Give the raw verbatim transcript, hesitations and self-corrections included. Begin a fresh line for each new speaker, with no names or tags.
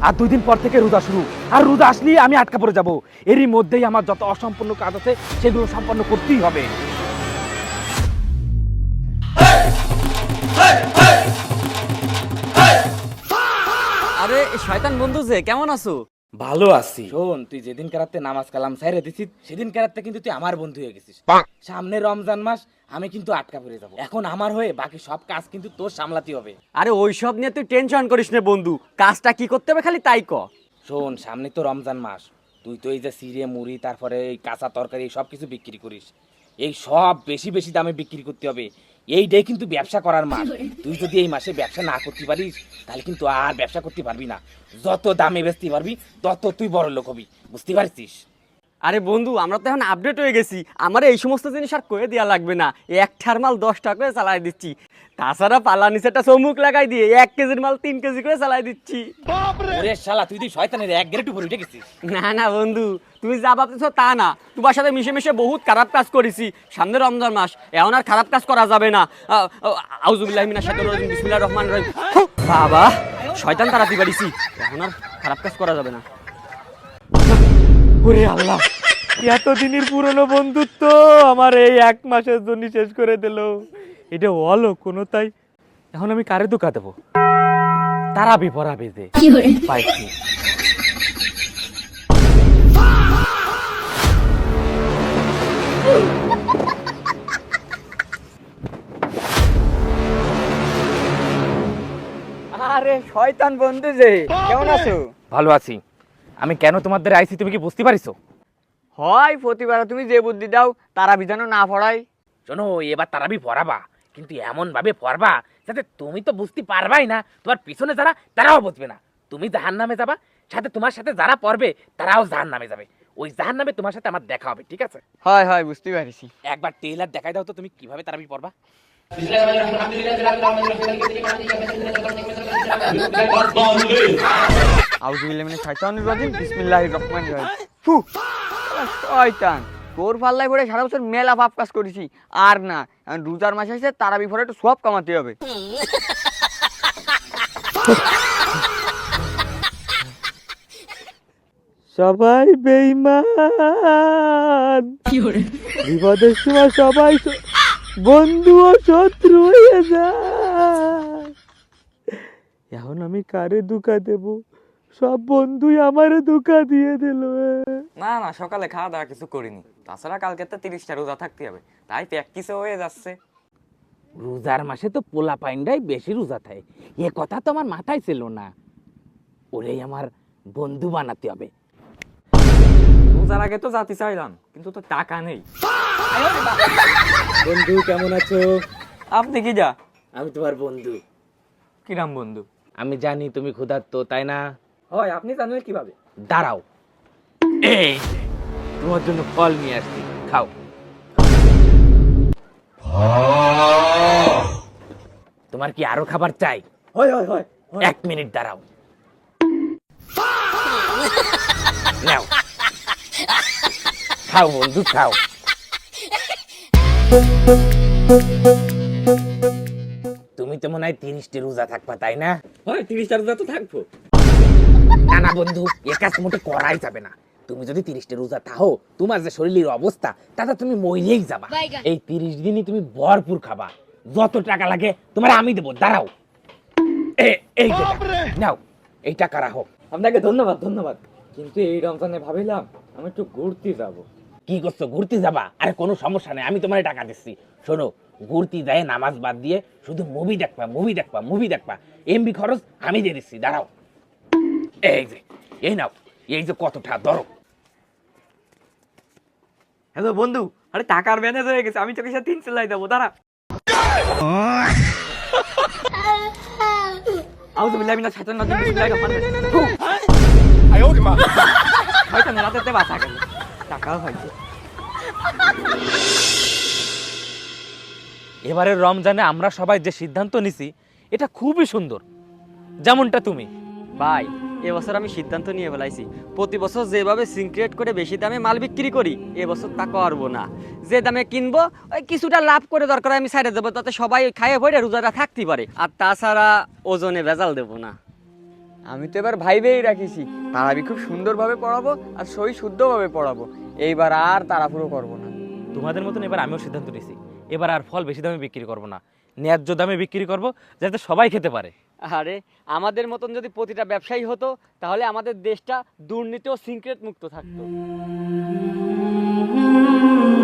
আর দুই দিন পর থেকে রোজা শুরু, আর রোজা আসলেই আমি আটকা পড়ে যাব। এরই মধ্যেই আমার যত অসম্পূর্ণ কাজ আছে সেগুলো সম্পন্ন করতেই হবে।
আরে শয়তান বন্ধু যে কেমন আছো?
ভালো আছি। শোন, তুই যেদিন কারাতে নামাজ কালাম সাইরে দিছিস সেদিন কারাতে কিন্তু তুই আমার বন্ধু হয়ে গেছিস। সামনে রমজান মাস, আমি কিন্তু আটকা পড়ে যাব। এখন আমার হয়ে বাকি সব কাজ কিন্তু তোর সামলাতে হবে।
আরে ওইসব নিয়ে তুই টেনশন করিস না বন্ধু, কাজটা কি করতে হবে খালি তাই ক।
শোন, সামনে তো রমজান মাস, তুই তো এই যে সিরে মুড়ি তারপরে এই কাঁচা তরকারি সব কিছু বিক্রি করিস, এই সব বেশি বেশি দামে বিক্রি করতে হবে। এইটাই কিন্তু ব্যবসা করার মাস। তুই যদি এই মাসে ব্যবসা না করতে পারিস তাহলে কিন্তু আর ব্যবসা করতে পারবি না। যত দামে বেচতে পারবি তত তুই বড় লোক হবি, বুঝতে পারছিস?
আরে বন্ধু আমরা তো এখন আপডেট হয়ে গেছি, আমার এই সমস্ত জিনিস আর কয়ে দেওয়া লাগবে না, এক ঠার মাল দশ টাকা করে চালাই দিচ্ছি। তাছাড়া পালা নিচেটা চমুক লাগাই দিয়ে এক কেজির মাল তিন কেজি করে চালাই দিচ্ছি।
ওরে শালা, তুই তুই শয়তানের এক গ্রেড উপর উঠে গেছিস।
না না বন্ধু, তুমি যা ভাবতেছো তা না, তোমার সাথে মিশে মিশে বহুত খারাপ কাজ করেছি। সামনে রমজান মাস, এখন আর খারাপ কাজ করা যাবে না। আউযুবিল্লাহি মিনাশ শাইতানির রাজিম, বিসমিল্লাহির রহমানির রহিম। বাবা, শয়তান তাড়াতে পারিছি, এখন আর খারাপ কাজ করা যাবে না।
ওরে আল্লাহ, এতদিনের পুরনো বন্ধুত্ব আমার এই এক মাসের জন্য শেষ করে দিল। এটা হলো কোনো তাই, এখন আমি কারে ধোকা দেবো? তারাবি পড়াবে যে পাইছি।
আরে শয়তান বন্ধু যে কেমন আছো?
ভালো আছি। আমি কেন তোমাদের আইছি তুমি কি বুঝতে পারিছো?
হয় প্রতিবার তুমি যে বুদ্ধি দাও তারা বিধানও না পড়াই।
শোনো, এবার তারাবি পড়াবা, কিন্তু এমন ভাবে পড়বা যাতে তুমি তো বুঝতে পারবাই না, তোমার পিছনে যারা তারাও বুঝবে না। তুমি জাহান্নামে যাবা, সাথে তোমার সাথে যারা পড়বে তারাও জাহান্নামে যাবে। ওই জাহান্নামে তোমার সাথে আমার দেখা হবে, ঠিক আছে?
হয় হয় বুঝতে পারছি।
একবার টেইলার দেখাই দাও তো তুমি কিভাবে তারাবি পড়বা।
আউযুবিল্লাহি মিনাশ শাইতানির রাজিম, বিসমিল্লাহির রহমানির রহিম। ফু, শয়তান তোর পাল্লায় পড়ে সারা বছর মেলা পাপ কাজ করেছি, আর না এখন রোজার মাস আসছে, তারাবি পড়ে একটু সব কামাতে হবে।
সবাই বেঈমান, বিপদের সময় সবাই বন্ধু ও শত্রু হয়ে যায়। এখন আমি কারে ধোঁকা দেব? সব বন্ধুই আমারে ধোঁকা দিয়ে দিল।
না না, সকালে খাওয়া দাওয়া কিছু করিনি, তাছাড়া কালকে তো তিরিশটা রোজা থাকতে হবে, তাই প্র্যাকটিসও হয়ে যাচ্ছে।
রোজার মাসে তো পোলা পাইন্ডাই বেশি রোজা থাকে, এ কথা তো আমার মাথায় ছিল না। ওরেই আমার বন্ধু বানাতে হবে।
রোজার আগে তো জাতি চাইলাম, কিন্তু তো টাকা নেই।
বন্ধু কেমন আছো?
আপনি কি যা?
আমি তোমার বন্ধু।
কিরাম বন্ধু?
আমি জানি তুমি ক্ষুধার্ত, তাই না?
হয়, আপনি জানলেন কিভাবে?
দাঁড়াও, এই যে, তোমার জন্য ফল নিয়ে আসছি, খাও। তোমার কি আরো খাবার চাই?
হয় হয় হয়।
এক মিনিট দাঁড়াও, নাও খাও বন্ধু, খাও। তুমি তো মনে হয় তিরিশটি রোজা থাকবা, তাই না?
হয়, তিরিশটা রোজা তো থাকবো।
না না বন্ধু, এ কাজ মোটে করাই যাবে না। তুমি যদি তিরিশটা রোজা থাকো, তোমার যে শরীরের অবস্থা তাতে তুমি মরেই যাবা। এই তিরিশ দিনই তুমি ভরপুর খাবা, যত টাকা লাগে তোমার আমি দেবো। দাঁড়াও, এ- এই যে টাকা, নাও, এই টাকা রাখো।
আপনাকে ধন্যবাদ ধন্যবাদ, কিন্তু এই রমজানে ভাবিলাম আমি একটু ঘুরতে যাব।
কি করছো, ঘুরতে যাবা? আরে কোনো সমস্যা নেই, আমি তোমার টাকা দিচ্ছি। শোনো, ঘুরতে যায় নামাজ বাদ দিয়ে শুধু মুভি দেখবা, মুভি দেখবা, মুভি দেখবা, এমবি খরচ আমি দিয়ে দিচ্ছি। দাঁড়াও, এই যে, এই নাও, এই যে কতটা ধরো।
হ্যালো বন্ধু, আরে টাকার ম্যানেজ হয়ে গেছে, আমি তোকে সাথে তিন সেলাই দেবো, দাঁড়া। আউযুবিল্লাহি মিনাশ শাইতানির রাজিম, বিসমিল্লাহির রহমানির রহিম। ফু, শয়তান রাতেতে বাঁচা গেল, টাকাও হয়েছে।
এবারের রমজানে আমরা সবাই যে সিদ্ধান্ত নিছি এটা খুবই সুন্দর, যেমনটা তুমি।
ভাই, এবছর আমি সিদ্ধান্ত নিয়ে ফেলাইছি, প্রতি বছর যেভাবে সিনক্রিয়েট করে বেশি দামে মাল বিক্রি করি, এবছর তা করবো না। যে দামে কিনবো ওই কিছুটা লাভ করে দরকার আমি সাইডে দেবো, তাতে সবাই খাইয়ে পড়ে রোজাটা থাকতে পারে। আর তাছাড়া ওজনে ভেজাল দেবো না। আমি তো এবার ভাইবেই রাখিছি তারাবি খুব সুন্দরভাবে পড়াবো আর সই শুদ্ধভাবে পড়াবো। এইবার আর তাড়াহুড়ো করবো না।
তোমাদের মতন এবার আমিও সিদ্ধান্ত নিয়েছি, এবার আর ফল বেশি দামে বিক্রি করব না, ন্যায্য দামে বিক্রি করব, যাতে সবাই খেতে পারে।
আরে আমাদের মতন যদি প্রতিটা ব্যবসায়ী হতো তাহলে আমাদের দেশটা দুর্নীতি ও সিক্রেট মুক্ত থাকতো।